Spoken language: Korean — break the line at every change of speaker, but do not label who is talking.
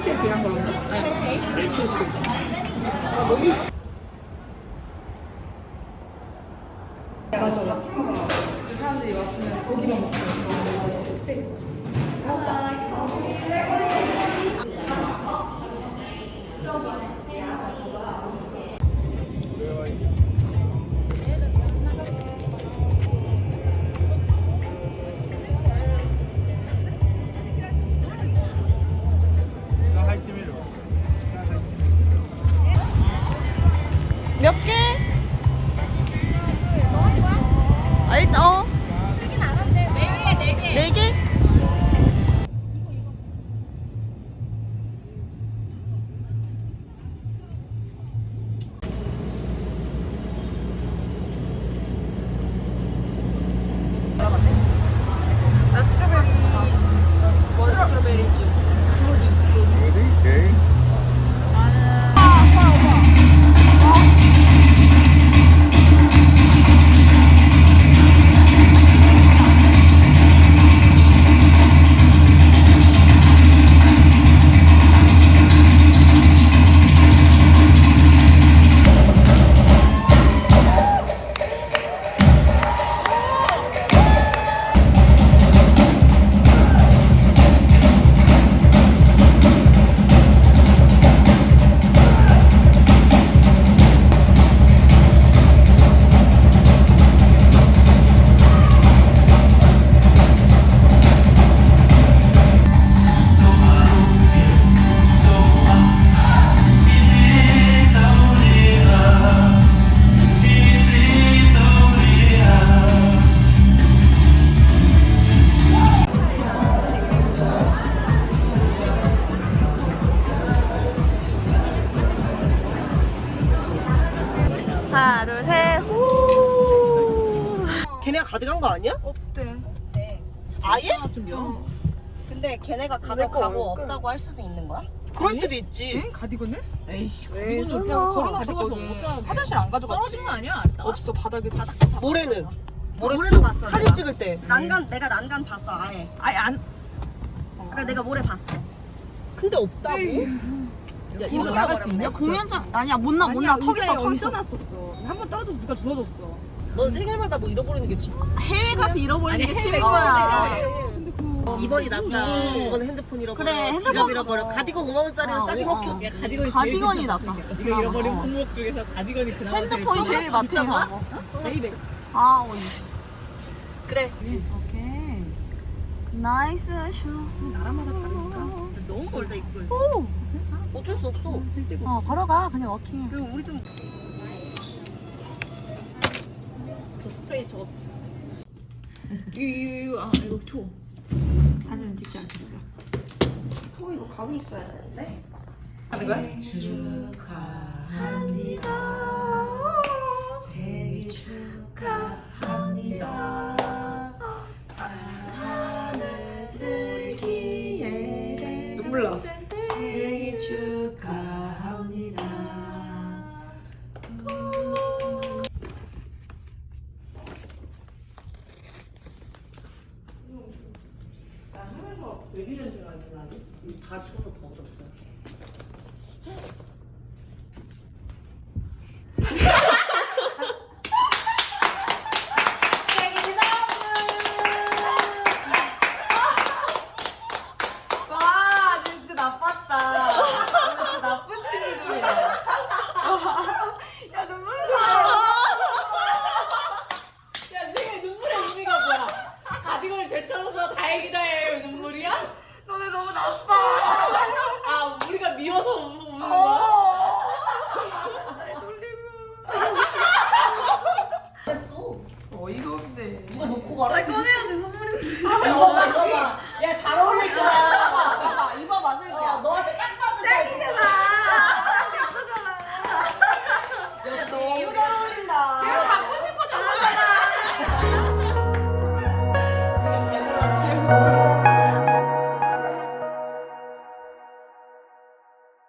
팬케이크 이런 걸로. 네. 토스트. 맞아. 그 사람들이 왔으면 고기만 먹고 스테이크.
몇 개? 아, 일단
쓰긴 안 한대. 네 개.
네 개? 나 스트로베리. 스트로베리 주. 스무디.
오케이.
하나, 둘, 셋. 후.
걔네가 가져간 거 아니야?
없대.
네.
아예?
근데 걔네가 가져가고 없다고 할 수도 있는 거야?
그럴 수도 있지.
가디건을? 에이씨,
에이,
가디건을
설마.
그냥 걸어놔서 가서 못 사. 화장실 안 가져갔지. 떨어진 거 아니야? 없어, 바닥에 바닥.
모래는?
모래도
봤어,
사진
내가.
찍을 때.
내가 난간 봤어 아예.
아예 안.
그러니까 내가 모래 봤어.
근데 없다고?
야, 이거 나갈 수 있냐?
공연장 아니야 못 나
아니야,
턱 있어 턱 있어.
얹어놨었어. 한 번 떨어져서 누가 주워줬어.
넌 생일마다 뭐 잃어버리는 게
해외 가서 잃어버리는 게
아니,
쉬운
해외
거야.
근데 그
이번이 낫다. 저번에 핸드폰 잃어버려.
그래, 핸드폰
지갑 잃어버려. 가디건 5만 원짜리는
아,
싸게
어.
먹혀.
야, 가디건이
가디건이
제일
낫다.
괜찮다. 네가 잃어버린 품목 중에서 가디건이 그나마
핸드폰이 제일 마트에 가고.
베이베.
아 언니.
그래.
오케이.
나이스 슈.
나라마다 다르니까.
너무 멀다 이걸.
오.
어쩔 수 없어. 될 데가 없어.
바로 가 그냥 워킹해.
그리고 우리 좀. 저 스프레이 저거.
이거 줘.
사진 찍지 않겠어.
이거 가위 있어야 되는데.
하는 거야?
축하합니다. 생일 축하합니다. 사랑하는 슬기의
눈물 나.
생일 축하합니다.
다 식어서 더 얻었어요.
와, 진짜 나빴다. 진짜 나쁜 친구들이야. 야, 눈물 나.
야, 생일 눈물의 의미가 뭐야? 가디건을 되찾아서 다행이다 해 눈물이야?
너네 너무 나빠.
아, 우리가 미워서 우는 거야?
날 돌리고.
됐어.
어이가 없네.
누가 놓고 가라.
아, 꺼내야지 선물이.
입어봐, 입어봐. 야, 잘 어울릴 거야.
봐봐, 입어봐, 슬기야.
너한테 딱 봐도 짱이잖아. 역시
너무 잘 어울린다.
내가 갖고 싶었던 거잖아.
잘